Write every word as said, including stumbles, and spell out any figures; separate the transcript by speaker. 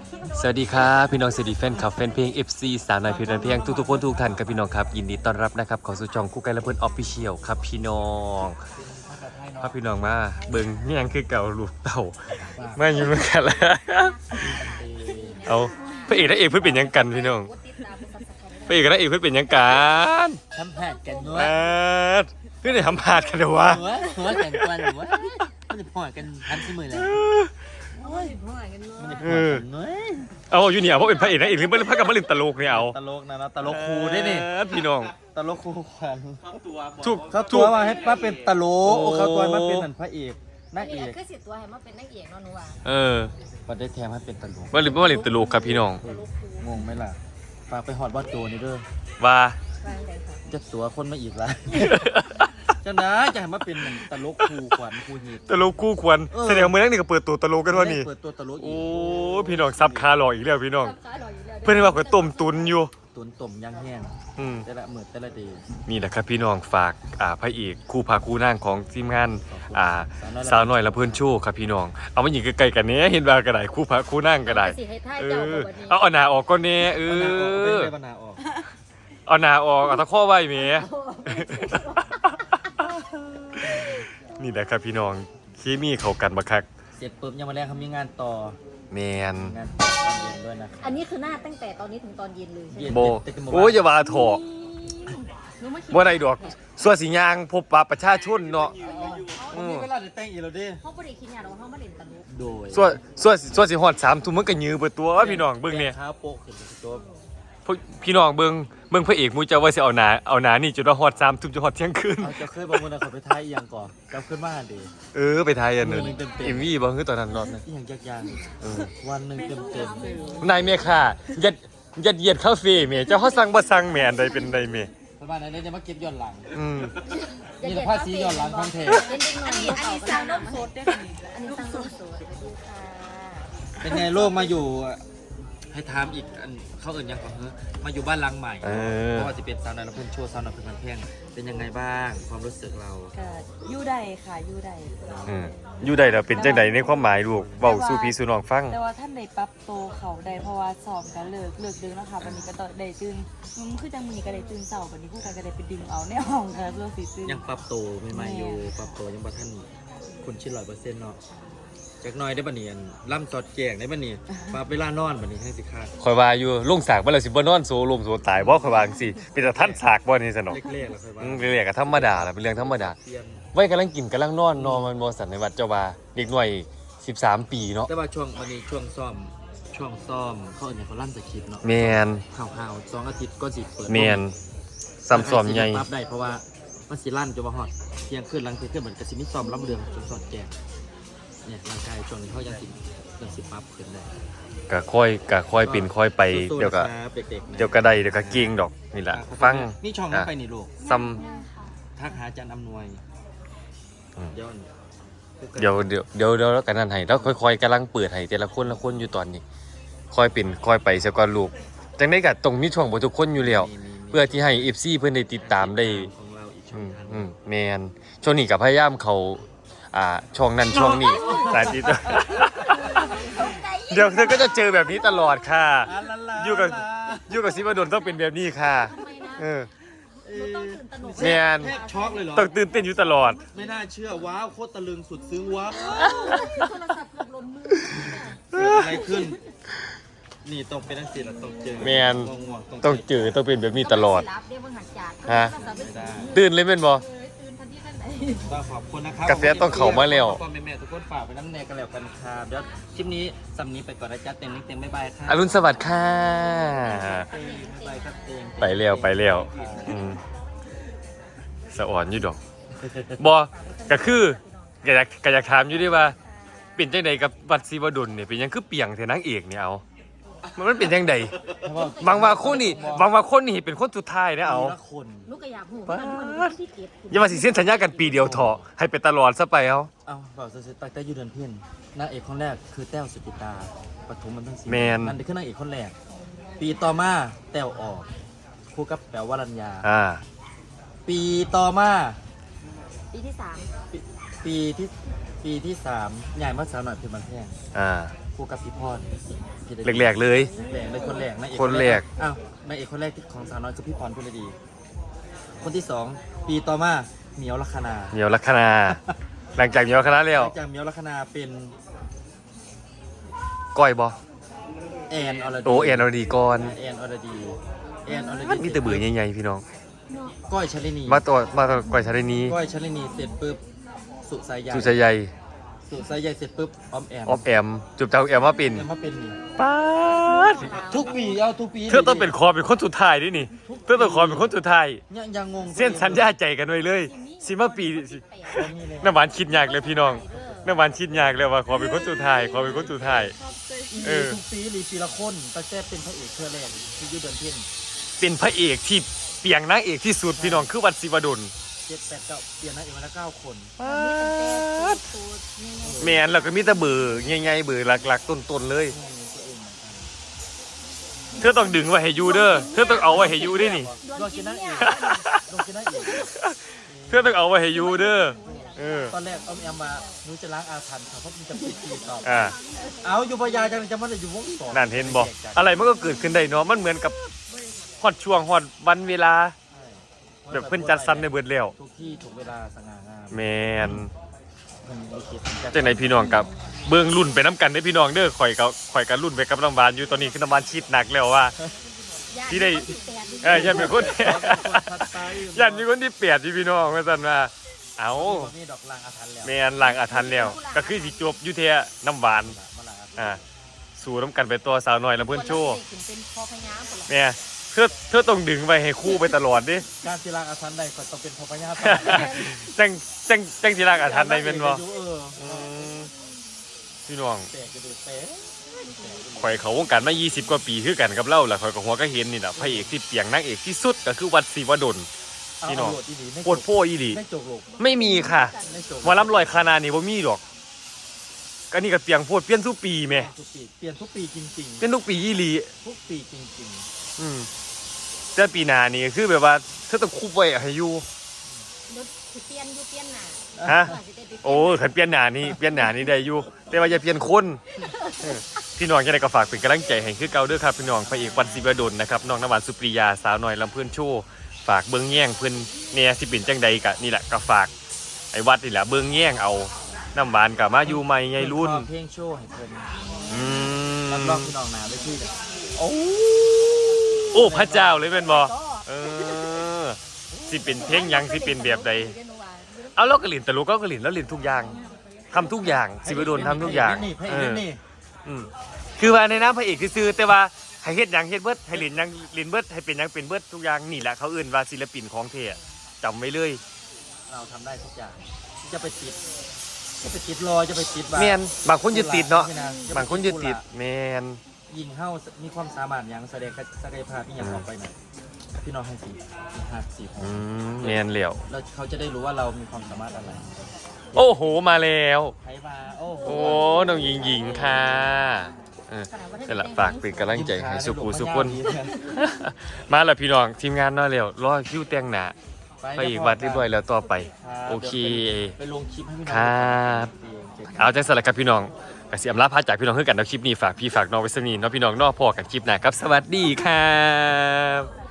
Speaker 1: สวัสดีครับพี่น้องสวัสดีแฟนคลับแฟนเพลง เอฟ ซี สาวน้อยเพลินเพลงทุกๆคนทุกท่านครับพี่น้องครับยินดีต้อนรับนะครับขอสู่ช่องคู่กันและเพื่อนออฟฟิเชียลครับพี่น้องพาพี่น้องมาเบิ่งนี่ยังคือเก่าลูกเต่ามาอยู่เหมือนกันแล้วเอาพระเอกและเอกเพื่อนเป็นยังกันพี่น้องพระเอกและเอกเพื่อนเป็นยังกัน
Speaker 2: ทำแผดกันด้ว
Speaker 1: มาย เพื่อนได้ทำพาดกันเดี๋ยววะ
Speaker 2: หัวหัวกันกวนหัวมันจะพอกันพันที่มือเลยมันจะพอกันน้อย
Speaker 1: เอาอยู่เนี่ยเพราะเป็นพระเอกนะเอกหรือไม่พักกับมาลินตลกเนี่ยเอา
Speaker 2: ตลกนะนะตลกครูได้นี่
Speaker 1: พี่น้อง
Speaker 2: ตลกครูขวัญ
Speaker 1: ถูก
Speaker 2: เขาตั
Speaker 1: ถู
Speaker 2: ว
Speaker 1: ก
Speaker 2: มาให้ป้าเป็นตลกเขาตัวมาเป็นนันพระเอกนางเอ
Speaker 3: นี่
Speaker 2: ก
Speaker 3: คือสิตัวให้มาเป็นนักเอกเนาะหนูว่า
Speaker 1: เออ
Speaker 2: มาได้แถมให้เป็นตลก
Speaker 1: มาลินมาลินตลกครับพี่น้อง
Speaker 2: งงไหมล่ะฝากไปหอดวัดโจนี่เด้อ
Speaker 1: ว่า
Speaker 3: ฟังเลยค่ะ
Speaker 2: จะตัวคนมาอีกละจังนะจะให้มาเป็นตลกครูขวัญครูหีบ
Speaker 1: ตลกคู่ควรแสดงว่ามือนั่งนี่ก็เปิดตัวตลกกันวะนี่
Speaker 2: เปิดตัวตลกอี
Speaker 1: โอ้
Speaker 2: ก
Speaker 1: พี่น้องซับคาหลอกอีกแล้วพี่น้อง
Speaker 3: ขาหล่ออยู่แล้ว
Speaker 1: เพื่อนว่าเขาต้มตุนอยู่
Speaker 2: ตุนต่มย่างแห้ง
Speaker 1: อืม
Speaker 2: แต่ละมือแต่ละเดี
Speaker 1: นี่นะครับพี่น้องฝากอ่าพระเอกคู่พาคู่นั่งของทีมงานอ่าสาวน้อยละเพื่อนโชว์ครับพี่น้องเอามาหยิงใกล้ๆกันเนี้ยเห็นว่ากระไดคู่พาคู่นั่งกระได
Speaker 3: สิให้ท่าย
Speaker 1: เอ
Speaker 3: เจ้า
Speaker 1: อ
Speaker 3: แบบนี้
Speaker 1: เอาเอาหนาออกก็เนี้ยเอ
Speaker 2: เอาหน้าออกเอา
Speaker 1: อ
Speaker 2: เป็นไรบรรณาออก
Speaker 1: เอาหนาออกเอาตะข้อไว้เมีย นี่แหละครับพี่น้องเคมีเข้ากันบักคัก
Speaker 2: เสร็จปุ๊บยังมาแรกเขามีงานต่อ
Speaker 1: แมน
Speaker 2: งานต่อตอนเย็นด้วยนะครั
Speaker 3: อันนี้คือหน้าตั้งแต่ตอนนี้ถึงตอนเย็นเลยใช่ไหม
Speaker 1: โบโอ้ยอย่าว่าเถอะ
Speaker 3: หนูไม่คิด
Speaker 1: บ่ได้ดอกส่วนสิยางพบปะประชาชนเนาะ
Speaker 2: วันนี้เวลาจะแต่งอีกแล้วดิ
Speaker 3: เขาไม่ได้คิดอย่างเราเขาไม่เล่นตลก
Speaker 2: โดย
Speaker 1: ส่วนส่วนส่วนสิฮอดสามทุ่มมันก็ยื้อเบิดตัวพี่น้องเบิ่งเนี่ย
Speaker 2: เท้าโปะขึ้นตัว
Speaker 1: พวกพี่น้องเบิ่งเบิ่งพระเอกมูเจ้าว่าสิเอาหนาเอาหนานี่จนว่าฮอดสามทุ่มจนฮอดเที่ยงคืน
Speaker 2: เอาจะเคยบอกมึงนะเขาไปท้ายอีหยังก่อนจำขึ้นมาดิ
Speaker 1: เออไปไทยอันนึง
Speaker 2: เต็มๆ
Speaker 1: เอ็มวีบ่คือตอนนั้นรอบนึง
Speaker 2: อีหยังยาก
Speaker 1: เออ
Speaker 2: ๆวันหนึ่งเต็มเต็ม
Speaker 1: นายเมค่ะยัดยัดเยียดคาเฟ่แม่เจ้าเขาสั่งบ่สั่งแม่อันใดเป็นใดแม่
Speaker 2: ประมาณนั้นจะมาเก็บย้อนหลัง
Speaker 1: อืม
Speaker 2: นี่แหละภาษีย้อนหลังคอนเทนต์
Speaker 3: เล่นเด็กหน่อยอันนี้อันนี้สาวน้ำสดได้ค่ะอันนี้สาวน้ำสดสวัสดีค่ะ
Speaker 2: เป็นไงโลกมาอยู่ให้ถามอีกอันเขาเอิ่นยังก่อนเฮ้มาอยู่บ้านหลังใหม่
Speaker 1: เออ
Speaker 2: เพราะว่าจะเป็นสาวน้อยและเพื่อนชั่วสาวน้อยเพื่อนเพียงเป็นยังไงบ้างความรู้สึกเรา
Speaker 4: ก็อยู่ได้ค่ะอยู่ได้
Speaker 1: อืมอยู่ได้แล้วเป็นจังไดในความหมายลูกเว้าสู่พี่สู่น้องฟัง
Speaker 4: แต่ว่าท่านได้ปรับโตวเขาได้เพราะว่าสอบกันเลิกเลิกดึงแล้วค่ะวันนี้ก็ต้องได้ตื่นมันคือจังมีก็ได้ตื่นเสาร์วันนี้คู่กันก็ได้ไปดึงเอาในห้องค่ะเพื่อสิตื่น
Speaker 2: ยังปรับตัวใหม่ๆอยู่ปรับตัวยังบ่ท่านคุณชินร้อยเปอร์เซ็นต์เนาะจากหน้อยได้บัดนี้อันล่ำจอดแจงได้บัดนี้ปรับเวลานอนบัดนี้ให้สิคาด
Speaker 1: ข่อยว่าอยู่ลงสากบ่แล้วสิบ่นอนโซลมโซตายบ่ข่อยว่าจังซี่เป็นแต่ท่านสากบ่นี่ซะเนาะ
Speaker 2: เล็กๆแล้วค่อยว่า
Speaker 1: อืมเรียกก็ธรรมดาล่ะเป็นเรื่องธรรมดา
Speaker 2: เปลี่ยน
Speaker 1: ไว้กำลังกินกำลังนอนนอนมันบ่สันในวัดเจ้าว่าเด็กหน่อยสิบสามปีเนาะ
Speaker 2: แต่ว่าช่วงวันนี้ช่วงซ่อมช่วงซ่อมเขาเอิ่นเขาลั่นสคริปต์เนาะ
Speaker 1: แมน
Speaker 2: ข่าวๆสองอาทิตย์ก็สิเปิด
Speaker 1: แมนซ้ำซ้อมใหญ่
Speaker 2: ปรับได้เพราะว่ามันสิลั่นจนว่าฮอดเที่ยงคืนหลังเที่ยงคืนเหมือนกับสิมีซ้อมล้ำเรืองจนสอดแจงเนี่ยร่างกายช่วงนี้เขายังสิยังสิปรับขึ้นได้
Speaker 1: ก็ค่อยก็ค่อยเป็นค่อยไป
Speaker 2: สู้ๆ
Speaker 1: เดี๋ยวก็
Speaker 2: นะครับเด็กๆนะ
Speaker 1: เดี๋ยวก็ได้เดี๋ยวก็เก่งดอกนี่แหละฟัง
Speaker 2: นี่ช่องนั้นไปนี่ลูก
Speaker 1: ซ้
Speaker 2: ทักหาอาจารย์อำนวย
Speaker 1: อืม
Speaker 2: เดี๋ยว
Speaker 1: ำเดี๋ยวเดี๋ยวเดี๋ยวเดี๋ยวแล้วกันนั่นให้แล้วค่อยๆกำลังเปิดให้แต่ละคนละคนอยู่ตอนนี้ ค่อยเป็นค่อยไปเสียก่อนลูกจังได้ก็ต้องมีช่องบ่ทุกคนอยู่แล้ว
Speaker 2: มีมีมี
Speaker 1: เพื่อที่ให้ เอฟ ซี เพิ่นได้ติดตามได้
Speaker 2: ของเราอีกช่
Speaker 1: อื
Speaker 2: อง
Speaker 1: ม
Speaker 2: ทาง
Speaker 1: อืมแมนช่วงนี้ก็พยายามเขาอ่าช่องนั้นช่องนี้สายติด เดี๋ยวเธอก็จะเจอแบบนี้ตลอดค่ะ อยู่กับอยู่กับซิวดลต้องเป็นแบบนี้ค่ะ
Speaker 3: ทำไมนะ
Speaker 1: เออ
Speaker 2: เอ่อ
Speaker 3: ต้องตื่นตระหนก
Speaker 1: แมน
Speaker 2: แทบช็อกเลยเหรอ
Speaker 1: ต้องตื่นเต้นอยู่ตลอด
Speaker 2: ไม่น่าเชื่อว้าวโคตรตะลึงสุดซึ้งว้าว
Speaker 3: โทรศัพท์เกือบหล่นมือ
Speaker 2: เกิดอะไรขึ้น นี่ต้องเป็นนักศิลป์ต้องเจอ
Speaker 1: แมน
Speaker 2: ง่วงๆ
Speaker 1: ต้องเจอต้องเป็นแบบนี้ตลอด
Speaker 3: รับเดี๋ยวเบิ่งหักจาก
Speaker 1: ฮะ
Speaker 2: ไม่ได้
Speaker 1: ตื่นเลยแม่นบ่
Speaker 3: เออตื่นทันทีทันใด
Speaker 2: ต้องขอบคุณนะครับ
Speaker 1: กาแฟต้องเข้ามาแล้ว
Speaker 2: พ่อแม่ๆทุกคนฝากไปน้ำแนกันแล้วกันครับเดี๋ยวคลิปนี้สำนี้ไปก่อนนะจ๊ะเต็มนิดเต็มบ๊ายบายครับ
Speaker 1: อรุณสวัสดิ์ค่ะ
Speaker 2: บ๊ายบายครับเต็ม
Speaker 1: ไปแล้วไปแล้วอืมสะอ่อนอยู่ดอกบอก็คือก็อยากก็อยากถามอยู่ด้วยว่าเป็นจังใดกับวัดศิวดลเนี่ยเป็นหยังคือเปียงเทนางเอกเนี่ยเอามันมันเป็นจังใดบางว่าคนนี่บางว่าคนนี่เป็นคนสุดท้ายนะเอา
Speaker 2: ทีละคน
Speaker 3: ลูกก็อยากหูมันมันที่เก็บ
Speaker 1: อย่ามาสิเส้นสัญญากันปีเดียวเถอะให้เป็นตลอดซะไปเอา
Speaker 2: เอาบอกสุดๆตั้งแต่อยูเดินเพี้ยนนางเอกคนแรกคือแต้วสุจิตาปฐมมันทั้งสี่
Speaker 1: แมน
Speaker 2: นั่นคือนางเอกคนแรก ปีต่อมาแต้วออกคู่กับแป๋ววรัญญา
Speaker 1: อ่า
Speaker 2: ปีต่อมา
Speaker 3: ปีที่สาม
Speaker 2: ปีปีที่ปีที่สามใหญ่มาสาวหน่อยเพื่อนบันแพง
Speaker 1: อ่า
Speaker 2: คู่กับพี่พร
Speaker 1: แรกๆเลย
Speaker 2: แรกเลยคนแรกนายเอก
Speaker 1: คนแรก
Speaker 2: อ้าวนายเอกคนแรกที่ของสาวน้อยคือพี่พรพุรดี คนที่สองปีต่อมาเหมียวลัคนา
Speaker 1: เหมียวลัคนา หลังจากเหมียวลัคนาแล้ว
Speaker 2: จากเหมียวลัคนาเป็น
Speaker 1: ก้อยบ่
Speaker 2: แอนอรดี
Speaker 1: โตแอนอรดีก่อน
Speaker 2: แอนอรดีแอนอรดี
Speaker 1: มันมีแต่เบื่อใหญ่ๆพี่น้อง
Speaker 2: ก้อยชลินี
Speaker 1: มาตัวมาตัวก้อยชาลินี
Speaker 2: ก้อยชลินีเสร็จปุ๊บสุสายใย
Speaker 1: สุชัยใหญ่
Speaker 2: สุสายใยเสร็จปุ๊บออมแอม
Speaker 1: ออฟแอมจุบเจ้าแอมมาเป็น
Speaker 2: แอมมาเป็นนี่
Speaker 1: ป๊าด
Speaker 2: ทุกปีเอาทุกปี
Speaker 1: เธอต้องเป็นคอเป็นคนสุดท้ายด้วยนี่เธอต้องคอเป็นคนสุดท้าย
Speaker 2: ยังยังงง
Speaker 1: เส้นสัญญาใจกันไว้เลยสิมาปีน้ำหวานคิดยากเลยพี่น้องน้ำหวานคิดยากเลยว่าขอเป็นคนสุดท้ายขอเป็นคนสุดท้าย เออ
Speaker 2: ทุกปีหรือปีละคนตั้งแต่เป็นพระเอกเพื่อแรกที่อยูเดินเพ่น
Speaker 1: เป็นพระเอกที่เปียงนางเอกที่สุดพี่น้องคือวัดศิวดล
Speaker 2: เจ็ดแปดเก้าเปลี่ยนนางเอกมาแล้วเก้าคน
Speaker 1: แมนแล้วก็มีแต่เบอร์ใหญ่ๆเบอร์หลักๆต้นๆเลย เธอต้องดึงไว้ให้อยูเด้อเธอต้องเอาไว้ให้อยูด้วยนี่
Speaker 2: ลองกินนางเอกลองกินนางเอก
Speaker 1: เธอต้องเอาไว้ให้อยูเด้อเออ
Speaker 2: ตอนแรกออมแอมมาหนูจะล้างอาถรรพ์ครับเพราะมันจะปิดปีตอบ
Speaker 1: อ่า
Speaker 2: เอาอยู่พยาจังจะมันอยู่วงสอง
Speaker 1: นั่นเห็นบอกอะไรมันก็เกิดขึ้นได้เนาะมันเหมือนกับฮอดช่วงฮอดวันเวลาแบบเพิ่นจัดสรรในเบิดแล้ว
Speaker 2: ทุกที่ถูกเวลาสง่างาม
Speaker 1: แมน
Speaker 2: มันมีคิด
Speaker 1: จังไหนพี่น้องกับเบิ่งรุ่นไปน้ำกันได้อพี่น้องเด้อข่อยกับข่อยกับรุ่นไปกับน้ำหวานอยู่ตอนนี้คือน้ำหวานชิดหนักแล้วว่า ที่ได้เอ้ยยันเป็นคน ยันมีคนที่เปียดที่พี่น้องว่าซั่นว่าเอา
Speaker 2: มีดอกลางอาถรรพ์แล้ว
Speaker 1: แมนล้างอาถรรพ์แล้ว ก็คือสิจบอยู่เที่ยน้ำหวาน
Speaker 2: มาลางอาถรรพ์
Speaker 1: อ่าสู่น้ำกันไปตัวสาวน้อยลำเพิ่นโชว์
Speaker 3: เป็นพอพญาหมด
Speaker 1: แม่เธอเธอต้องดึงไว้ให้คู่ไปตลอดดิ
Speaker 2: การที่ลางอาถรรพ์ใดก็ต้องเป็นพพญา
Speaker 1: จังจังจังสิล้างอาถรรพ์ได้แม่นบ่
Speaker 2: เออ
Speaker 1: อืมพี่น้อง
Speaker 2: แตกกระดูกแตก
Speaker 1: ข่อยเขาวงการมายี่สิบกว่าปีคือกันกับเล่าแหละข่อยก็หัวก็เห็นนี่แหละพระเอกที่เปียงนางเอกที่สุดก็คือวัดศิวดล พี่น้อง โคตรโพอีหลี
Speaker 2: ไม่จกหลก
Speaker 1: ไม่มีค่ะ
Speaker 2: ไม่จก
Speaker 1: หมอลำลอยคานานี่บ่มีดอกก็นี่ก็เปียงโพดเปลี่ยนทุกปีแม่
Speaker 2: ทุกปีเปลี่ยนทุกปีจริง
Speaker 1: เปลี่ยนทุกปีอีหลี
Speaker 2: ๆ ทุกปีจริง
Speaker 1: อืมแต่ปีหน้านี่คือแบบว่าเธอต้องคุบไว้ให้อยู่
Speaker 3: รถสิเปลี่ยนอยู่เปลี่ยนหน้า
Speaker 1: ฮะโอ้ขันเปลี่ยนหน้านี่เปลี่ยนหน้านี่ได้อยู่แต่ว่าอย่าเปลี่ยนคนเออพี่น้องจะได้ก็ฝากเป็นกำลังใจให้คือเก่าเด้อครับพี่น้องพระเอกวัดศิวดลนะครับน้องน้ำหวานสุปริยาสาวน้อยลำเพื่อนโชว์ฝากเบิ้งแย่งเพื่อนเนี่ยสิเป็นจังใดกะนี่แหละก็ฝากไอ้วัดนี่แหละเบิ้งแย่งเอาน้ำหวานกับมาอยู่ใหม่
Speaker 2: ๆ
Speaker 1: ไงรุ่น
Speaker 2: เพลงโชว์ให้เพิ่น
Speaker 1: อืม
Speaker 2: รับรองพี่น้องหนาด้วยที่เลยโอ้
Speaker 1: โอ้พระเจ้าเลยเป็นบ่เออสิเป็นเพลงหยังสิเป็นแบบใดเอาแล้วก็หลินตลกก็ก็หลินแล้วหลินทุกอย่างทำทุกอย่างศิวดลทำทุกอย่าง
Speaker 2: นี่เพลง
Speaker 1: เออ
Speaker 2: นี่
Speaker 1: อืมคือว่าในน้ำพระเอกซื่อๆแต่ว่าให้เฮ็ดหยังเฮ็ดเบิดให้หลินหยังหลินเบิดให้เป็นหยังเป็นเบิดทุกอย่างนี่แหละเขาเอื่นว่าศิลปินของเทอะจำไว้เลย
Speaker 2: เราทำได้ทุกอย่างจะไปติดจะไปติดรอยจะไปติด
Speaker 1: แมนบางคนยึดติดเนาะ
Speaker 2: จะไป
Speaker 1: บางคนยึดติดแมน
Speaker 2: ยิงเข้ามีความสามารถอย่างแสดงศักยภาพที่อย่างออกไปหน่อยพี่น้องให้สีหักสีขอ
Speaker 1: อื
Speaker 2: ง
Speaker 1: มแมนเหลียว
Speaker 2: แล้วเขาจะได้รู้ว่าเรามีความสามารถอะไร
Speaker 1: โอ้โหมาแล้ว
Speaker 2: ใครมาโอ้โห
Speaker 1: โอ้น้องหญิงหญิงค่ะเออนี่แหละฝากเป็นกำลังใจให้สุขุสุขคน มาแล้วพี่น้องทีมงานน้อยแล้วรอคิวแต่งหน้าไปอีกวัดเรียบร้อยแล้วต่อไป โอเค
Speaker 2: ไปลงคลิปให้พี่น้อง
Speaker 1: ครับ เอาใจสลักกับพี่น้องกสิอำลาพาจากพี่น้องเพื่อกันเอาคลิปนี้ฝากพี่ฝากน้องไว้สนีเนาะพี่น้องเนอกพอกันคลิปหน้าครับสวัสดีครับ